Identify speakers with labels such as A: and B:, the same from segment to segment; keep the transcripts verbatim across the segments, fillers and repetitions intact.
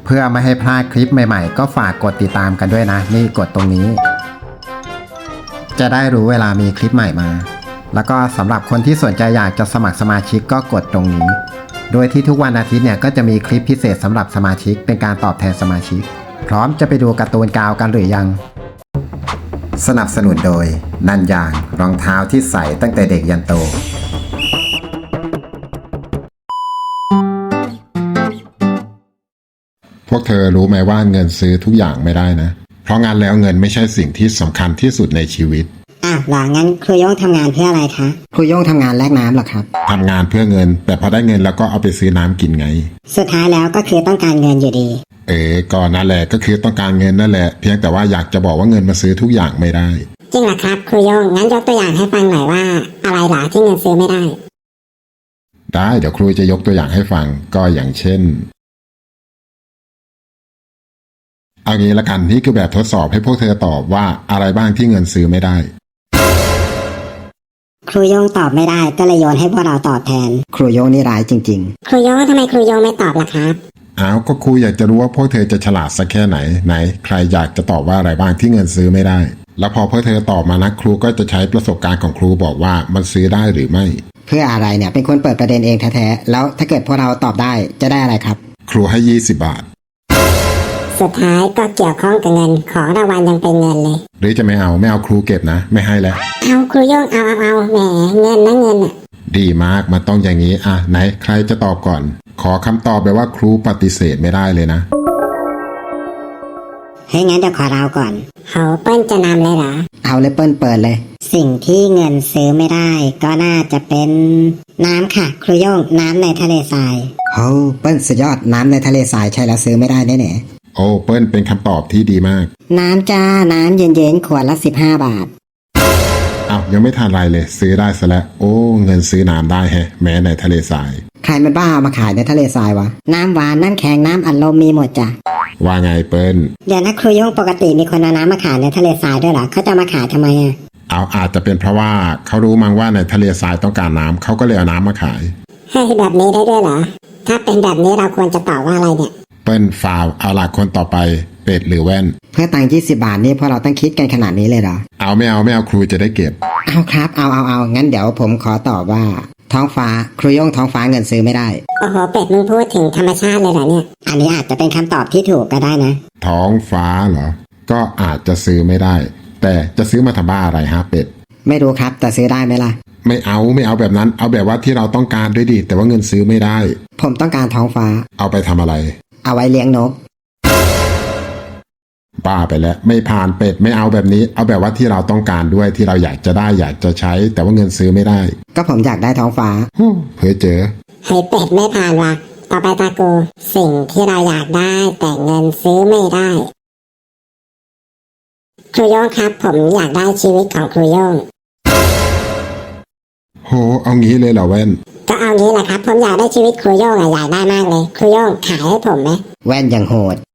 A: เพื่อไม่ให้พลาดคลิปใหม่ๆก็ฝากกดติดตามกันด้วยนะนี่กดตรงนี้จะได้รู้เวลามีคลิปใหม่มาแล้วก็สำหรับคนที่สนใจอยากจะสมัครสมาชิกก็กดตรงนี้โดยที่ทุกวันอาทิตย์เนี่ยก็จะมีคลิปพิเศษสำหรับสมาชิกเป็นการตอบแทนสมาชิกพร้อมจะไปดูการ์ตูนกาวกันหรือยังสนับสนุนโดยนันยางรองเท้าที่ใส่ตั้งแต่เด็กยันโต
B: พวกเธอรู้ไหมว่าเงินซื้อทุกอย่างไม่ได้นะเพราะงานแล้วเงินไม่ใช่สิ่งที่สำคัญที่สุดในชีวิต
C: อ้าวหรองั้นครูโย่งทำงานเพื่ออะไรคะ
A: ครูโย่งทำงานแลกน้ำหรอครับ
B: ทำงานเพื่อเงินแต่พอได้เงินแล้วก็เอาไปซื้อน้ำกินไง
C: สุดท้ายแล้วก็คือต้องการเงินอยู่ดี
B: เออก็นั่นแหละก็คือต้องการเงินนั่นแหละเพียงแต่ว่าอยากจะบอกว่าเงินมาซื้อทุกอย่างไม่ได้
C: จริงเหรอครับครูโย่งงั้นยกตัวอย่างให้ฟังหน่อยว่าอะไรหรอที่เงินซื้อไม่ได้
B: ได้เดี๋ยวครูจะยกตัวอย่างให้ฟังก็อย่างเช่นเอางี้ละกันนี่คือแบบทดสอบให้พวกเธอตอบว่าอะไรบ้างที่เงินซื้อไม่ได้
C: ครูโย่งตอบไม่ได้ก็เลยโยนให้พวกเราตอบแทน
A: ครูโย่งนี่ร้ายจริง
C: ๆครูโย่งทำไมครูโย่งไม่ตอบล่ะครับ
B: อ้าวก็ครูอยากจะรู้ว่าพวกเธอจะฉลาดสักแค่ไหนไหนใครอยากจะตอบว่าอะไรบ้างที่เงินซื้อไม่ได้แล้วพอพวกเธอตอบมานะครูก็จะใช้ประสบการณ์ของครูบอกว่ามันซื้อได้หรือไม่
A: เพื่ออะไรเนี่ยเป็นคนเปิดประเด็นเองแท้ๆแล้วถ้าเกิดพวกเราตอบได้จะได้อะไรครับ
B: ครูให้ยี่สิบบาท
C: สุดท้ายก็เกี่ยวข้องกับเงินของรางวัลยังเป็นเงินเลย
B: หรือจะไม่เอาไม่เอาครูเก็บนะไม่ให้แล้ว
C: เอาครูโย่งเอาเอาเอาแหมเงินนะเงินอ่ะ
B: ดีมากมันต้องอย่างนี้อ่ะไหนใครจะตอบก่อนขอคำตอบแบบว่าครูปฏิเสธไม่ได้เลยนะ
C: เฮ้ยงั้นเดี๋ยวขอเราก่อนเขาเปิ้ลจะนำเลยเหรอ
A: เอาเลยเปิ้ลเปิดเลย
C: สิ่งที่เงินซื้อไม่ได้ก็น่าจะเป็นน้ำค่ะครูโย่งน้ำในทะเลทราย
A: โอ้เปิ้ลสุดยอดน้ำในทะเลทรายใช่แล้วซื้อไม่ได้แน่
B: ๆโอ้เปิ้ลเป็นคำตอบที่ดีมาก
C: น้ำจ้าน้ำเย็นๆขวดละสิบห้าบาท
B: อ้าวยังไม่ทันไรเลยซื้อได้ซะแล้วโอ้เงินซื้อน้ำได้แฮะแม้ในทะเลทราย
A: ใครมันบ้าเอามาขายในทะเลทรายวะ
C: น้ำหวานน้ำแข็งน้ำอัดลมมีหมดจ้ะ
B: ว่าไงเปิ้ล
C: เดี๋ยวนะครูโย่งปกติมีคนเอาน้ำมาขายในทะเลทรายด้วยเหรอเขาจะมาขายทำไมอ่ะ
B: เอาอาจจะเป็นเพราะว่าเขารู้มั้งว่าในทะเลทรายต้องการน้ำเขาก็เลยเอาน้ำมาขาย
C: ให้แบบนี้ได้ด้วยเหรอถ้าเป็นแบบนี้เราควรจะตอบว่าอะไรเนี่ย
B: เปิ้ลฟาวเอาล่ะคนต่อไปเป็ดหรือแว่น
A: เพื่อตังค์ยี่สิบบาทนี่พวกเราต้องคิดกันขนาดนี้เลยเหรอ
B: เอาไม่เอาไม่เอาครูจะได้เก็บ
A: เอาครับเอาเอาเอางั้นเดี๋ยวผมขอตอบว่าท้องฟ้าครูโย่งท้องฟ้าเงินซื้อไม่ได้
C: โอ้โหเป็ดมึงพูดถึงธรรมชาติเลยเหรอเนี่ยอันนี้อาจจะเป็นคำตอบที่ถูกก็ได้นะ
B: ท้องฟ้าเหรอก็อาจจะซื้อไม่ได้แต่จะซื้อมาทำบ้าอะไรฮะเป็ด
A: ไม่รู้ครับแต่ซื้อได้ไหมล่ะ
B: ไม่เอาไม่เอาแบบนั้นเอาแบบว่าที่เราต้องการด้วยดิแต่ว่าเงินซื้อไม่ได้
A: ผมต้องการท้องฟ้า
B: เอาไปทำอะไร
A: เอาไว้เลี้ยงนก
B: บ้าไปแล้วไม่ผ่านเป็ดไม่เอาแบบนี้เอาแบบว่าที่เราต้องการด้วยที่เราอยากจะได้อยากจะใช้แต่ว่าเงินซื้อไม่ได้
A: ก็ผมอยากได้ท้องฟ้า
B: เพ้อเจอ
C: ให้เป็ดไม่ผ่านว่ะต่อไปตากูสิ่งที่เราอยากได้แต่เงินซื้อไม่ได้ครูโย่งครับผมอยากได้ชีวิตของครูโย่ง
B: โหเอางี้เลยเหรอแว่น
C: ก็เอางี้แหละครับผมอยากได้ชีวิตครูโย่งอยากได้มากเลยครูโย่งขายให้ผมไหม
A: แว่นยังโหด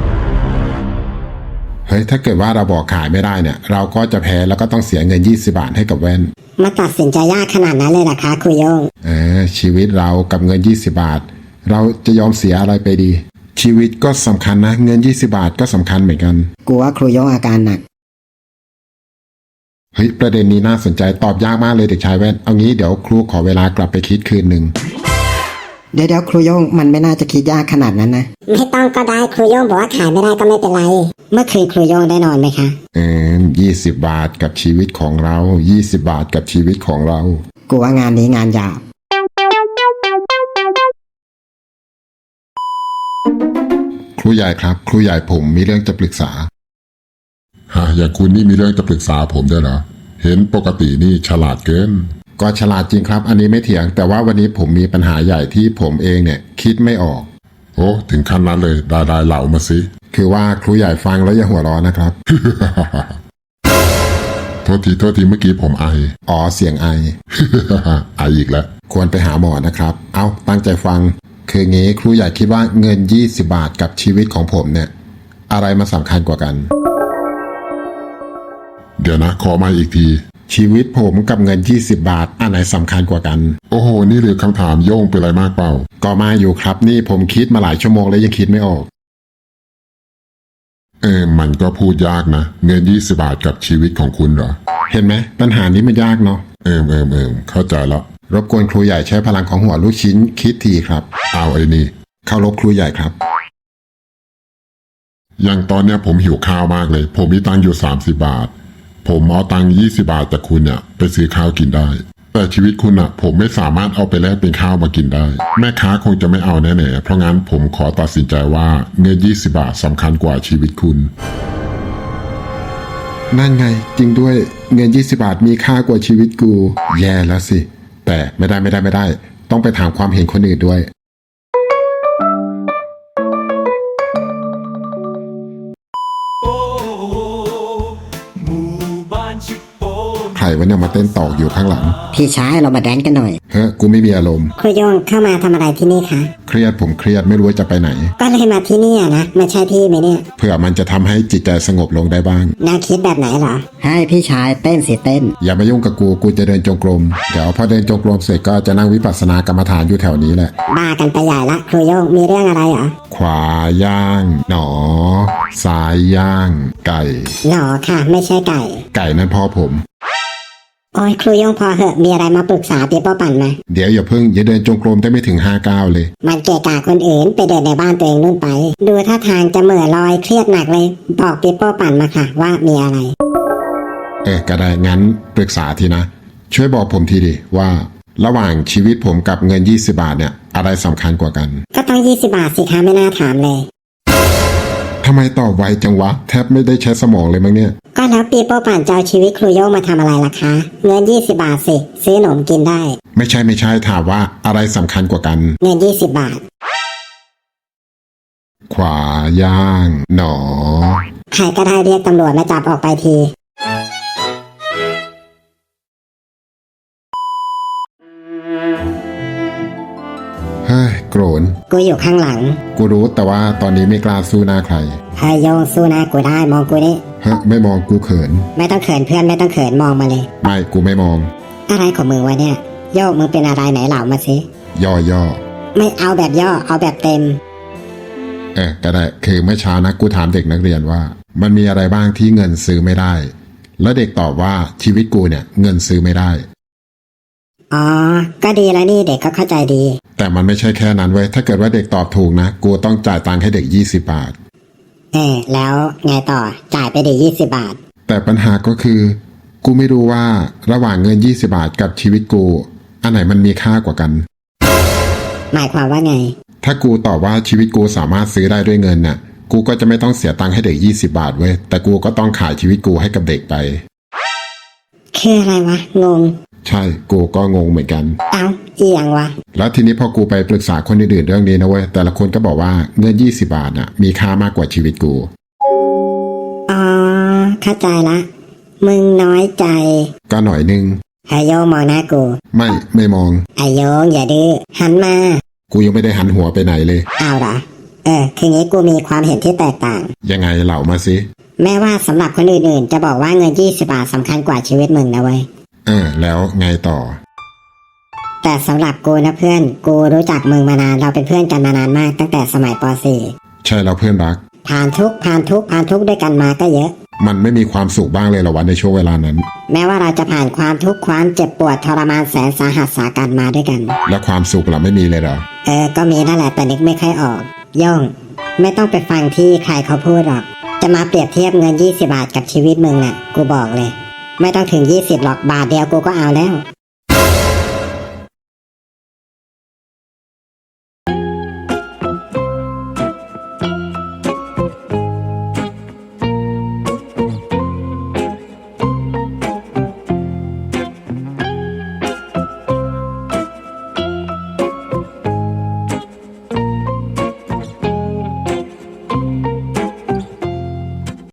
B: เฮ้ยถ้าเกิดว่าเราบอกขายไม่ได้เนี่ยเราก็จะแพ้แล้วก็ต้องเสียเงินยี่สิบบาทให้กับแว่น
C: มาตัดสินใจยากขนาดนั้นเลยเหรอคะครูโย่ง
B: เออชีวิตเรากับเงินยี่สิบบาทเราจะยอมเสียอะไรไปดีชีวิตก็สำคัญนะเงินยี่สิบบาทก็สำคัญเหมือนกัน
A: กูว่าครูโย่งอาการหนัก
B: เฮ้ยประเด็นนี้น่าสนใจตอบยากมากเลยเด็กชายแว่นเอางี้เดี๋ยวครูขอเวลากลับไปคิดคืนหนึ่ง
A: เดี๋ยวเดี๋ยวครูโย่งมันไม่น่าจะคิดยากขนาดนั้นนะ
C: ไม่ต้องก็ได้ครูโย่งบอกว่าขายไม่ได้ก็ไม่เป็นไรเมื่อคืนครูโย่งได้นอนไหมคะ
B: เออยี่สิบบาทกับชีวิตของเรายี่สิบบาทกับชีวิตของเรา
A: กูว่างานนี้งานยาก
B: ครูใหญ่ครับครูใหญ่ผมมีเรื่องจะปรึกษาฮะอย่างคุณนี่มีเรื่องจะปรึกษาผมด้วยเหรอเห็นปกตินี่ฉลาดเกินก็ฉลาดจริงครับอันนี้ไม่เถียงแต่ว่าวันนี้ผมมีปัญหาใหญ่ที่ผมเองเนี่ยคิดไม่ออกโอ้ถึงขั้นนั้นเลยได้ได้เหล่ามาสิคือว่าครูใหญ่ฟังแล้วอย่าหัวร้อนนะครับ โทษทีโทษทีเมื่อกี้ผมไออ๋อเสียงไอ ไออีกแล้วควรไปหาหมอนะครับเอาตั้งใจฟังคืองี้ครูใหญ่คิดว่าเงินยี่สิบบาทกับชีวิตของผมเนี่ยอะไรมาสำคัญกว่ากันเดี๋ยวนะขอมาอีกทีชีวิตผมกับเงินยี่สิบบาทอันไหนสำคัญกว่ากันโอ้โหนี่เลยคำถามโย่งเป็นอะไรมากเปล่าก็มาอยู่ครับนี่ผมคิดมาหลายชั่วโมงแล้วยังคิดไม่ออกเออมันก็พูดยากนะเงินยี่สิบบาทกับชีวิตของคุณเหรอเห็นไหมปัญหานี้มันยากเนาะเอิมเอิมเอิมเข้าใจแล้วรบกวนครูใหญ่ใช้พลังของหัวลูกชิ้นคิดทีครับเอาไอ้นี่เข้ารบครูใหญ่ครับอย่างตอนเนี้ยผมหิวข้าวมากเลยผมมีตังค์อยู่สามสิบบาทผมเอาตังค์ยี่สิบบาทจากคุณเนี่ยไปซื้อข้าวกินได้แต่ชีวิตคุณอะผมไม่สามารถเอาไปแลกเป็นข้าวมากินได้แม่ค้าคงจะไม่เอาแน่ๆเพราะงั้นผมขอตัดสินใจว่าเงินยี่สิบบาทสำคัญกว่าชีวิตคุณนั่นไงจริงด้วยเงินยี่สิบบาทมีค่ากว่าชีวิตกูแย่แล้วสิแต่ไม่ได้ไม่ได้ไม่ได้ต้องไปถามความเห็นคนอื่นด้วยใครวะเนี่ยมาเต้นตอกอยู่ข้างหลัง
C: พี่ชายเรามาแดนกันหน่อย
B: เฮ้ยกูไม่มีอารมณ์
C: ครูโยงเข้ามาทำอะไรที่นี่คะ
B: เครียดผมเครียดไม่รู้ว่าจะไปไหน
C: ก็เลยมาที่นี่นะไม่ใช่พี่ไหมเนี่ย
B: เพื่อมันจะทำให้จิตใจสงบลงได้บ้าง
C: แนวคิดแบบไหนเหรอให้พี่ชายเต้นสิเต้น
B: อย่ามายุ่งกับกูกูจะเดินจงกรมเดี๋ยวพอเดินจงกรมเสร็จก็จะนั่งวิปัสสนากรรมฐานอยู่แถวนี้แหละ
C: บ้ากันไปใหญ่ละครูโยงมีเรื่องอะไรเหรอ
B: ขวาย่าง หนอซ้ายย่าง ไก่
C: หนอค่ะ ไม่ใช่ไก่
B: ไก่นั่นพ่อผม
C: โอ้ยครูโยงพอเหอะมีอะไรมาปรึกษาปีโป้ปั่นมา
B: เดี๋ยวอย่าเพิ่งอย่าเดินจงกรมได้ไม่ถึงห้าก้าวเลย
C: มันเกะกะคนอื่นไปเดินในบ้านตัวเองนู่นไป ดูท่าทางจะเหม่อลอยเครียดหนักเลย บอกปีโป้ปั่นมาค่ะว่ามีอะไร
B: เออก็ได้งั้นปรึกษาทีนะ ช่วยบอกผมทีดิว่า ระหว่างชีวิตผมกับเงินยี่สิบบาทเนี่ยอะไรสำคัญกว่ากัน
C: ก็ต้องยี่สิบบาทสิคะไม่น่าถามเลย
B: ทำไมตอบไวจังวะแทบไม่ได้ใช้สมองเลยมั้งเนี่ย
C: ก็แล้วปีโป้ปั่นจะเอาชีวิตครูโยงมาทำอะไรล่ะคะ เงินยี่สิบบาทสิซื้อขนมกินได้
B: ไม่ใช่ไม่ใช่ถามว่าอะไรสำคัญกว่ากัน
C: เงินยี่สิบบาท
B: ขวาย่าง หนอ
C: ใครก็ได้เรียกตำรวจมาจับออกไปที
B: เฮ้ยโกรน
C: กูอยู่ข้างหลัง
B: กูรู้แต่ว่าตอนนี้ไม่กล้าสู้หน้าใคร
C: เฮ้ยโยงสู้นะกูได้มองกูนี่
B: เฮ้ยไม่มองกูเขิน
C: ไม่ต้องเขินเพื่อนไม่ต้องเขินมองมาเลย
B: ไม่กูไม่มอง
C: อะไรของมึงวะเนี่ย โยกมึงเป็นอะไรไหนเหล่ามาสิ
B: ย่อย่อ
C: ไม่เอาแบบย่อเอาแบบเต็ม
B: เออก็ได้คือเมื่อเช้านะกูถามเด็กนักเรียนว่า มันมีอะไรบ้างที่เงินซื้อไม่ได้ แล้วเด็กตอบว่าชีวิตกูเนี่ยเงินซื้อไม่ได้
C: อ๋อ ก็ดีแล้วนี่เด็กก็เข้าใจดี
B: แต่มันไม่ใช่แค่นั้นเว้ยถ้าเกิดว่าเด็กตอบถูกนะกูต้องจ่ายตังค์ให้เด็กยี่สิบบาท
C: เออแล้วไงต่อจ่ายไปดียี่สิบบาท
B: แต่ปัญหาก็คือ กูไม่รู้ว่าระหว่างเงินยี่สิบบาทกับชีวิตกูอันไหนมันมีค่ากว่ากัน
C: หมายความว่าไง
B: ถ้ากูตอบว่าชีวิตกูสามารถซื้อได้ด้วยเงินน่ะกูก็จะไม่ต้องเสียตังค์ให้เด็กยี่สิบบาทเว้ยแต่กูก็ต้องขายชีวิตกูให้กับเด็กไป
C: คืออะไรวะงง
B: ใช่กูก็งงเหมือนกัน
C: เอ้าอีหยังวะ
B: แล้วทีนี้พอกูไปปรึกษาคนอื่นๆเรื่องนี้นะเว้ยแต่ละคนก็บอกว่าเงินยี่สิบบาทน่ะมีค่ามากกว่าชีวิตกู
C: อ๋อเข้าใจละ มึงน้อยใจ
B: ก็หน่อยนึง
C: ไอโยงมองหน้ากู
B: ไม่ไม่มอง
C: ไอโยงอย่าดื้อหันมา
B: กูยังไม่ได้หันหัวไปไหนเลย
C: เอาเหรอเออคืองี้กูมีความเห็นที่แตกต่าง
B: ยังไงเหล่ามาสิ
C: แม้ว่าสำหรับคนอื่นๆ จะบอกว่าเงินยี่สิบบาทสำคัญกว่าชีวิตมึงนะเว้ย
B: เออแล้วไงต่อ
C: แต่สำหรับกูนะเพื่อนกูรู้จักมึงมานานเราเป็นเพื่อนกันมานานมากตั้งแต่สมัยป .สี่
B: ใช่แล้วเพื่อนรัก
C: ผ่านทุกข์ผ่านทุกข์ผ่านทุกข์ด้วยกันมาก็เยอะ
B: มันไม่มีความสุขบ้างเลยเหรอวะในช่วงเวลานั้น
C: แม้ว่าเราจะผ่านความทุกข์ความเจ็บปวดทรมานแสนสาหัสสากันมาด้วยกัน
B: แล้วความสุขล่ะไม่มีเลยเหรอ
C: เออก็มีนั่นแหละแต่นึกไม่ค่อยออกโย่งไม่ต้องไปฟังที่ใครเขาพูดหรอกจะมาเปรียบเทียบเงินยี่สิบบาทกับชีวิตมึงน่ะกูบอกเลย ไม่ต้องถึงยี่สิบหรอกบาทเดียวกูก็เอาแล้ว